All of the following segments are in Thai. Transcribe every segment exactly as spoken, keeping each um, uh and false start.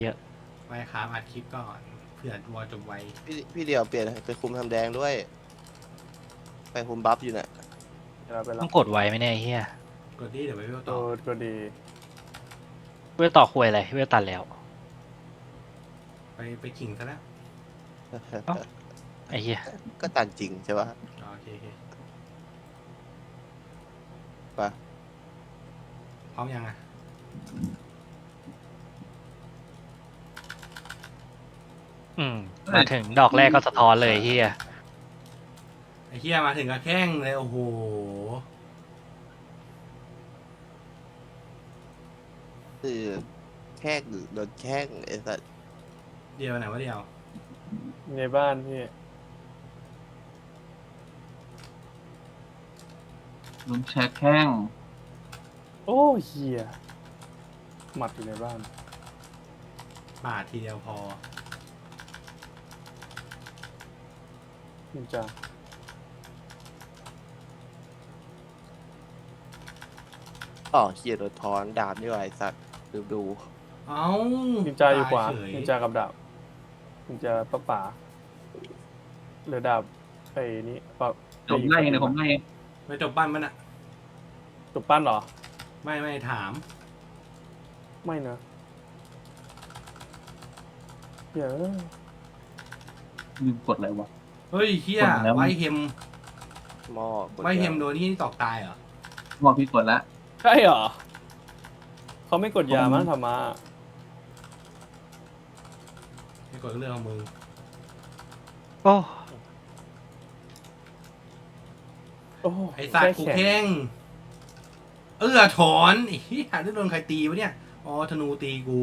เยอะไว้ครับอัดคลิปก่อนเผื่อวอลจบไวพี่พี่เดียวเปลี่ยนไปคุมทำแดงด้วย ไปคุมบัฟอยู่น่ะเราไปรับต้องกดไว้ไหมเนี่ยไอ้เฮียกดดีเดี๋ยวไปวิวโดต่อดก็ดีเวลต่อคุยอะไรเวลตัดแล้วไปไปขิงซะแล้วเอ้า ไอ้เฮียก็ตันจริงใช่ปะอ๋อโอเคโอเคปะพร้อมยังอ่ะอืมมาถึงดอกแรกก็สะท้อนเลยไอ้เฮียไอ้เฮียมาถึงก็แข้งเลยโอ้โหคือแค่โดนแข้งไอ้สัสเดียวไหนวะเดียวในบ้านพี่ลุงแชร์แข้งโอ้เฮียหมัดอยู่ในบ้านบาททีเดียวพอนินจาอ๋อเขียโดนทอนดาบนี่หว่าไอ้สัสดูดูเอ้านินจาอยู่ขวาเฉยนินจากับดาบนินจาป้าป่าเหลือดาบไอ้นี่ปะผมไล่เองเดี๋ยวผมไล่เองไปจบปั้นมันอ่ะจบปั้นเหรอไม่ไม่ถามไม่นะเดี๋ยวลืมกดอะไรวะเฮ้ยเฮียกดแล้วไวเฮมหม้อกดไวเฮมยาโดนที่ตอกตายเหรอบอกพี่กดแล้วใช่เหรอเขาไม่กดยาผมมั้งธรรมะไม่กดเรื่องของมึงโอ้โอ้ไอ้สัตว์กูแค่แขนแข้งเออถอนไอ้เฮียได้โดนใครตีวะเนี่ยอ๋อธนูตีกู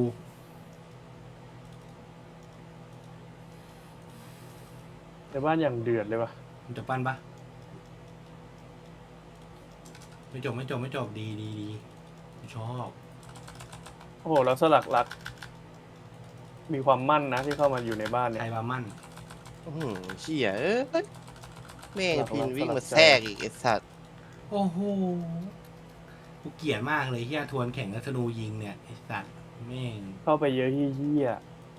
ในบ้านอย่างเดือดเลยว่ะมันจะปั้นปะไม่จบไม่จบไม่จบดีดีดีชอบโอ้โหแล้วสลักรัก มีความมั่นนะที่เข้ามาอยู่ในบ้านเนี่ไทยยบามั่นอื้อหือเชี่ยเอ้ยแม่งหลักๆพินวิ่งสลัมาบใจแทรกอีกไอ้สัสโอ้โหกูเกลียดมากเลยเฮียทวนแข่งกับธนูยิงเนี่ยไอ้สัตว์แม่งเข้าไปเยอะที่เฮีย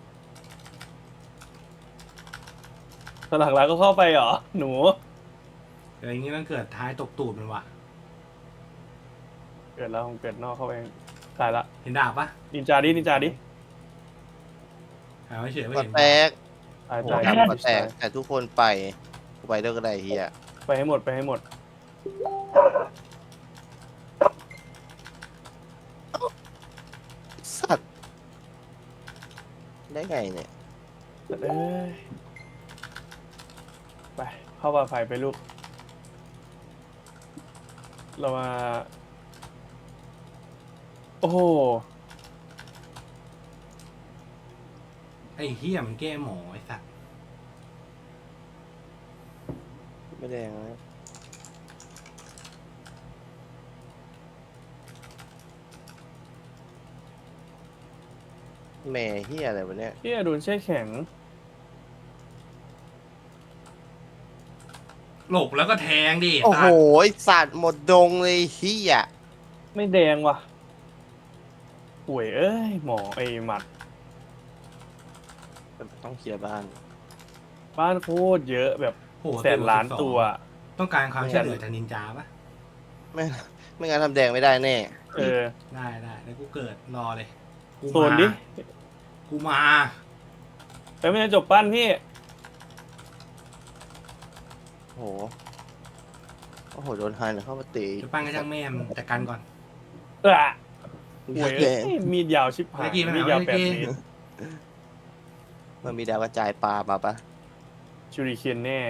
สลักรักก็เข้าไปเหรอ หนูเอออย่างงี้มันเกิดท้ายตกตูดมันว่ะเกิดแล้วผมเกิดนอกเข้าไปตายละเห็นดาบปะนินจาดินินจาดิหาไม่เฉยไม่ก็เห็นแตกตายโอ้ตายดาบก็แตกแต่ทุกคนไปกูไปด้วยก็ได้เฮียไปให้หมดไปให้หมดสัตว์ได้ไงเนี่ยเอ้ยไปเข้าป่าไผ่ไปลูก เรามา โอ้โหไอ้เฮียมันแก้หมอไอ้สัตว์ไม่แดงนะแม่เฮียอะไรวะเนี่ยพี่อดุลแช่แข็งหลบแล้วก็แทงดิโอ้โหสัตว์ไอ้สัตว์หมดดงเลยเฮียไม่แดงว่ะป่วยเอ้ย หมอไอ้หมัดต้องเคลียร์บ้านบ้านโคตรเยอะแบบโอ้โหแสนล้านสิบสองตัวต้องการความช่วยเหลือจากนินจาปะไม่ไม่งั้นทำแดงไม่ได้แน่เออได้ได้แล้วกูเกิดรอเลยกูโซนดิมากูมาไปไม่ได้จบปั้นพี่โอ้โห โอ้โห โดนฮันเข้ามาตีจะปั้นกระช่างแม่มนจัดการก่อนเออป่วยแดเอ้งยมีดยาวชิบหายไม่กี่ไม่มีดเอายาวไม่แปดกี่เมตรมันมีดาวกระจายปลามาปะชูริเคนแน่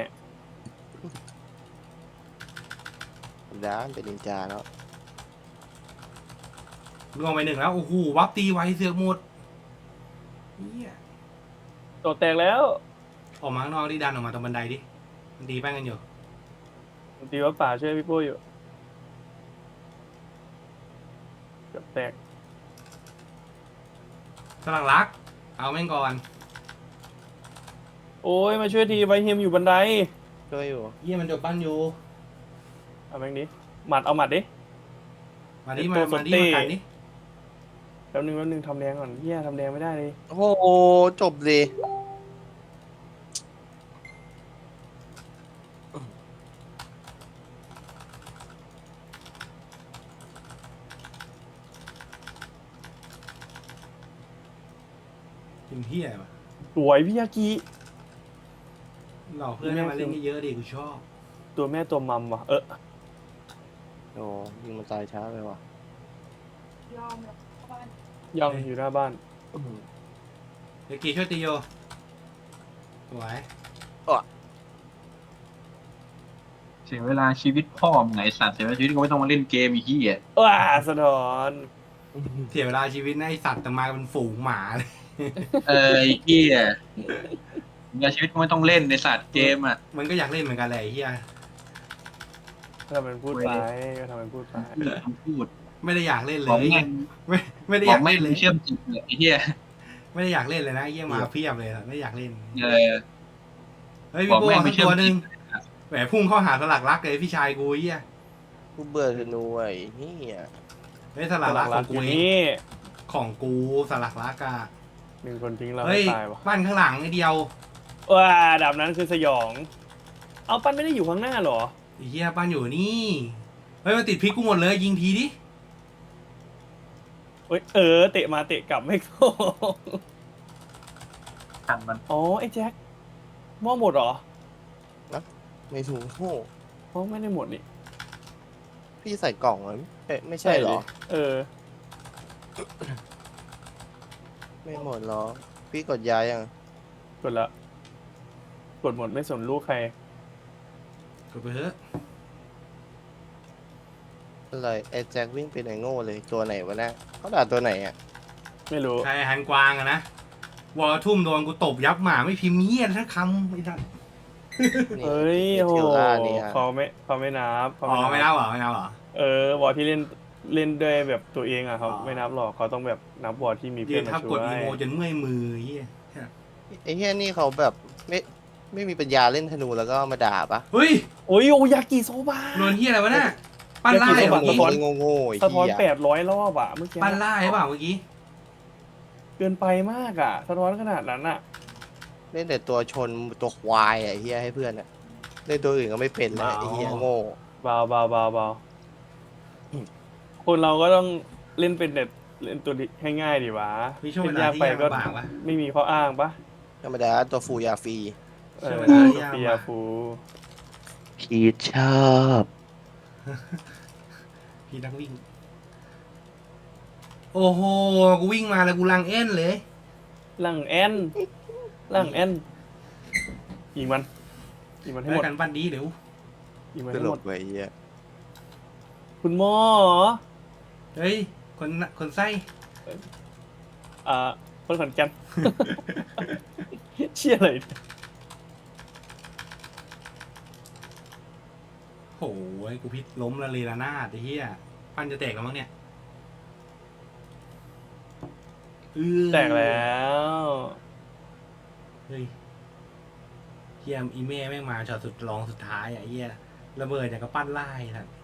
ด้านเป็นนินจาเนาะลงไปหนึ่งแล้วโอ้โหวับตีไวเสือกหมดเฮียโตแตกแล้วออกมาข้างนอกดิดันออกมาตรงบันไดดิมันตีแป้งกันอยู่ตีว่าป่าช่วยพี่ปุ้ยอยู่เกือบแตกสลังรัก เอาแม่งก่อนโอ้ยมาช่วยทีไวเฮมอยู่บันไดช่วยอยู่เฮียมันจบปั้นอยู่เอาแม่งดิหมัดเอาหมัดดิมาดิเป็นมาตัวมาดิสเต้มากันดิแป๊บนึงแป๊บนึงทำแดงก่อนเฮียทำแดงไม่ได้เลยโอ้โหจบเลยเป็นเฮียปะสวยพี่ยากิหลอกเพื่อนให้มาเล่นเยอะๆดิกูชอบตัวแม่ตัวมัมว่ะเออโอ้ยิงมันตายช้าไปว่ะยอมแล้วเข้าบ้านยังเฮ้ยอยู่หน้าบ้านเดี๋ยวกีช่วยตีโยสวยเสียเวลาชีวิตพ่อมึงไงสัตว์เสียเวลาชีวิตก็ไม่ต้องมาเล่นเกมอีกที่อ่ะว้าสะท้อนเสียเวลาชีวิตนะไอสัตว์แต่มาเป็นฝูงหมาเลยเออไอ้เหี้ยเวลาชีวิตก็ไม่ต้องเล่นในสัตว์เกมอ่ะมันก็อยากเล่นเหมือนกันแหละไอ้เฮียทำเป็นพูดไปก็ทำเป็นพูดไปคำพูดไม่ได้อยากเล่นเลบอกยแม่งไม่ไม่ได้บออกยากแม่เล่งนเลยเชื่อมจิตเลยไอ้เหี้ยไม่ได้อยากเล่นเลยนะไอ้เฮียมาเพียบเลยอะไม่อยากเล่นเออเฮ้ยบอพี่กโบ้แม่งสัไม่กเชื่อตัมวหนึ่งจิตแหมพุ่งเข้าหาสลักรักเลยพี่ชายกูไอ้เฮียกูเบื่อธนูไอ้เฮียเฮ้ยสลักรักของกูอยู่เองนี่ของกูสลักรักอะหนึ่งคนทิ้งเราเฮ้ยให้ตายวะบ้านข้างหลังไอ้เดียวว้าดาบนั้นคือสยอง เอาปั้นไม่ได้อยู่ข้างหน้าเหรอไอ้เฮียบ้านอยู่นี่เฮ้ยมันติดพริกกูหมดเลยยิงทีดิเอ้ยเออเตะมาเตะกลับไม่เข้าทันมันอ๋อไอ้แจ็คหม้อหมดเหรอไม่ถูกโอ้อ๋อไม่ได้หมดนี่พี่ใส่กล่องเหรอเอ๊ะไม่ใช่เหรอเออไม่หมดเหรอ พี่กดย้ายยังกดละกดหมดไม่สนลูกใครกดไปเถอะอะไรไอ้แจ็ควิ่งไปไหนโง่เลยตัวไหนวะเนี่ยเขาด่าตัวไหนอ่ะไม่รู้ใครหันกวางอะนะวอลทุ่มโดนกูตบยับหมาไม่พิมพ์เงี้ยทั้งคำไอ้สัสนี่เฮ้ยไอ้โหเทลล่านี่ฮะเขาไม่เขาไม่นับเขาอ๋อไม่นับเหรอไม่นับเหรอเออวอร์ที่เล่นเล่นด้วยแบบตัวเองอ่ะเขาอ๋อไม่นับหรอกเขาต้องแบบนับวอร์ที่มียืเพื่อนนมาทับช่กวดอียโมจนเมื่อยมือเฮียไอ้เฮียนี่เขาแบบไม่ไม่มีปัญญาเล่นธนูแล้วก็มาด่าปะเฮ้ยโอ้ยโอยากิโซบะโดนเฮียอะไรวะน่ะปั้นไล่เดี๋ยวเมื่อสะกี้ท้อนโง่โง่ๆไอ้สะท้อนเฮียแปดร้อยรอบอ่ะเมื่อกี้ปั้นไล่เปล่าเมื่อกี้เกินไปมากอ่ะ สะท้อนขนาดนั้นอ่ะเล่นแต่ตัวชนตัวควายอ่ะไอ้เฮียให้เพื่อนอ่ะเล่นตัวอื่นก็ไม่เป็นแล้วไอ้เฮียโง่เบาเบาเบาเบาคนเราก็ต้องเล่นเป็นเด็ดเล่นตัวให้ง่ายดีวะมีช่วงเวเล่นลายากที่ไปยากก็ลำบากปะไม่มีข้ออ้างปะธรรมดาตัวฟูยาฟรีเออใช่เวลาที่ยากเปียฟูพีชชอบพี่นักวิ่ง โอ้โหกูวิ่งมาแล้วกูลังเอ็นเลยหลังแอนหลังแอนยิงมันยิงมันให้แล้หมวดกันปั้นดีเดี๋ยวยิงมันตให้ลหมกดไปเฮียคุณหมอเฮ้ยคนน่ะคนไส้อ่าคนขอนแก่น เชี่ยเลยโอ้ยกูพิษล้มละเลระนาดไอ้เหี้ยปั้นจะแตกแล้วมั้งเนี่ยเออแตกแล้วเฮ้ยเฮียอีเม่แม่งมาช็อตสุดรองสุดท้ายอ่ะไอ้เหี้ยระเบิดอย่างกับปั้นไล่ท่าน